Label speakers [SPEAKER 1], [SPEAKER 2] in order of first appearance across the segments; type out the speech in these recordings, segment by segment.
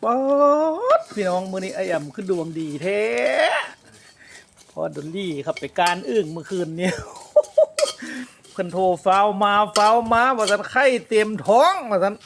[SPEAKER 1] ป๊อดพี่น้องมื้อนี้ไอ้อ่ำขึ้นดวงดีแท้พอดอลลี่ครับไปการอึ้งเมื่อคืนนี้ เพิ่นโทรฟ้าวมาว่าซั่นไข้เต็มท้องว่าซั่น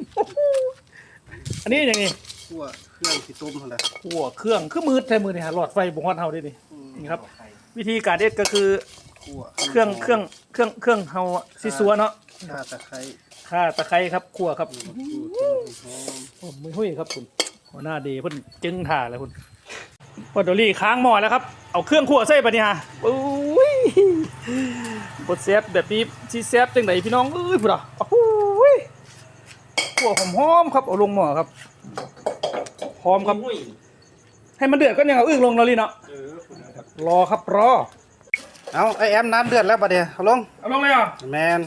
[SPEAKER 1] อันนี้อย่างงี้
[SPEAKER 2] คั่วเครื่องที่ต้มหั่นแหละ
[SPEAKER 1] ขั่วเครื่องคือมืดแท้มื้อนี้หาหลอดไฟบ่ฮอดเฮาเด้นี่ครับ วิธีการเอ็ดก็คือ
[SPEAKER 2] คั่ว
[SPEAKER 1] เครื่องเฮาสิซัวเนาะ
[SPEAKER 2] ข่าตะไคร้
[SPEAKER 1] ข่าตะไคร้ครับขั่วครับ
[SPEAKER 2] หอม
[SPEAKER 1] โอ้มือหุ้ยครับคุณหัวหน้าดีเพิ่นจึงถ่าเลยคุณพอดอรี่ค้างหม้อแล้วครับเอาเครื่องคั่วใส่ปะเนี่ยฮะโอ้ยบดแซ่บแบบนี้ที่แซ่บจังไหนพี่น้องเอ้ยพุ่นอ่ะโอ้ยคั่วหอมๆครับเอาลงหม้อครับหอมครับให้มันเดือดก็ยังเอาอึ้งลงแล้วลี่เนาะรอครับรอ
[SPEAKER 2] เอาไอแอมน้ำเดือดแล้วบัดเดี๋ยวเอาลง
[SPEAKER 1] เอาลงเลยเหรอ
[SPEAKER 2] แมน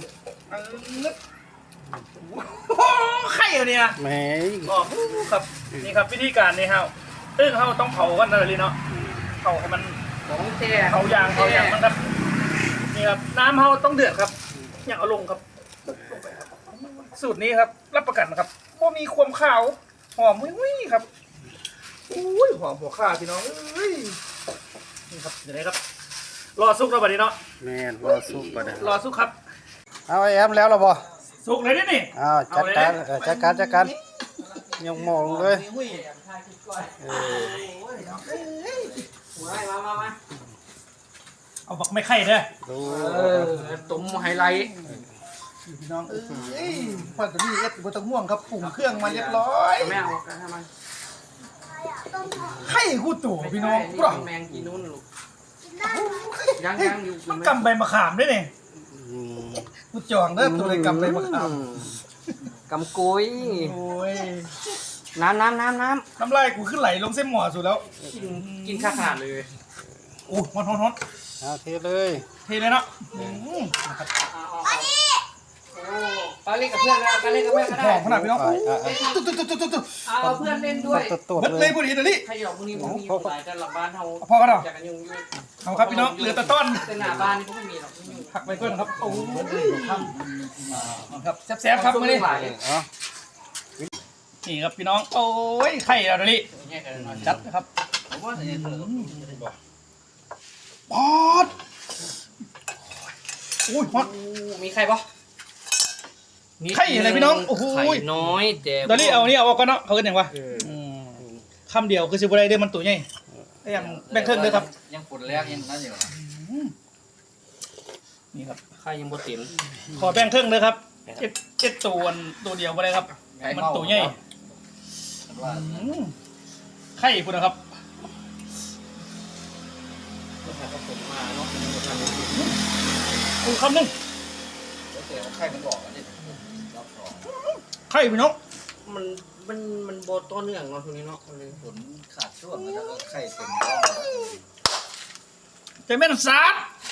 [SPEAKER 1] โอ้ไข่อะเนี่ย
[SPEAKER 2] แหม
[SPEAKER 1] อ๋อครับนี่ครับวิธีการนี่ฮะอึ้งเขาต้องเผากันนะลี่เนาะเผาให้มัน
[SPEAKER 3] ของแท้
[SPEAKER 1] เผายางมันครับนี่ครับน้ำเขาต้องเดือดครับอย่างเอาลงครับลงไปครับสูตรนี้ครับรับประกันครับว่ามีความขาวหอมวิ่งครับอุ้ยหอมหัวข่าพี่น้องเอ้ยนี่ครับเดี๋ยวนี้ครับรอสุกแล้วบัดนี้เนาะ
[SPEAKER 2] แมนรอซุปบัดเดี๋ยว
[SPEAKER 1] รอสุกครับ
[SPEAKER 2] เอาไอแอมแล้วเหรอบ่
[SPEAKER 1] สุกเลยนี่
[SPEAKER 2] เอาจัดการจัดการยกหม้อลงเลย
[SPEAKER 3] มา
[SPEAKER 1] เอาบักไม่ไข่เด้อ
[SPEAKER 2] ดู
[SPEAKER 3] ตุ้มไฮไลท์
[SPEAKER 1] พี่น้องเอ้ยพอดนี่เอ็ดบะตะม่วงครับปรุงเครื่องมาเรียบร้อย
[SPEAKER 3] แม่เอากันทำไม
[SPEAKER 1] ไข่คู่ตู่พี่น้องปลอก
[SPEAKER 3] แมงกินนู่นลูกยังอยู่
[SPEAKER 1] ต้องกำใบมะขามด้วยนี่
[SPEAKER 2] อืม
[SPEAKER 1] กูจองเด้อตัวเลยกำใบมะขาม
[SPEAKER 3] กำกุย
[SPEAKER 1] โอ้ย
[SPEAKER 3] น้ำ
[SPEAKER 1] น้ำลายกูขึ้นไหลลงเส้นหมอสุดแล้ว
[SPEAKER 3] กินข้าวขาดเลย
[SPEAKER 1] โอ้ฮอน
[SPEAKER 2] เอาเทเลย
[SPEAKER 1] เทเลยเนาะ
[SPEAKER 3] ไปเล่นกับเพื่อนแล้วไปเล่นกับเพื่อนก็
[SPEAKER 1] ห
[SPEAKER 3] ได้
[SPEAKER 1] อมขนาดพี่น้อง
[SPEAKER 2] ไป
[SPEAKER 3] เอาเพื่อนเล่นด้วย
[SPEAKER 2] ตัว
[SPEAKER 1] เบิด
[SPEAKER 2] เล
[SPEAKER 1] เลย
[SPEAKER 2] ย
[SPEAKER 1] พอดีเดี๋ยวนี้
[SPEAKER 3] ใครหยอกพวกนี้พวกมีหลายแต่หลังบ้านเขา
[SPEAKER 1] พอกันเหรอ
[SPEAKER 3] จากกันยุ่ง
[SPEAKER 1] เอาครับพี่น้องเหลือแต่ต้น
[SPEAKER 3] แต่หน้าบ้านนี่พวกไม่มีหรอกยุ่ง
[SPEAKER 1] ผักไปก่อนครับโอ้ยครับแซ่บๆครับมื้อนี้
[SPEAKER 2] เอา
[SPEAKER 1] นี่ครับพี่น้องโอ้ยไข่แล้วเดี๋ยวนี้จัดนะครับปอดอุ้ยฮอต
[SPEAKER 3] มีใครปะ
[SPEAKER 1] ไข่อะไรพี่น้องโอ้โห
[SPEAKER 3] ไข่น้อยแต่
[SPEAKER 1] เดี๋ยวนี้เอานี่เอาออกก่อนเนาะเขาเรียกอย่างวะคำเดียวคือสิบอะไรเด้มันตัวใหญ่ไอ้ยังแบ่งครึ่งเลยครับ
[SPEAKER 3] ยังฝนแรกยังนั่นอยู่
[SPEAKER 1] นี่ครับ
[SPEAKER 3] ไข่ยังบดติ๋ม
[SPEAKER 1] ขอแบ่งครึ่งเลยครับเจ็ดตัวเดียวไปเลยครับมันตัวใหญ่ไข่คุณนะครับคำหนึ่ง
[SPEAKER 3] ไข่มันบอกอันนี้
[SPEAKER 1] ไข่พี่น้อง
[SPEAKER 3] มันโบต้นเนื่องเนาะช่วงนี้เนาะเลย
[SPEAKER 4] ฝนขาดช่วงแล้วก็ไข่เต็มท้อง
[SPEAKER 1] ใจแม่นสาด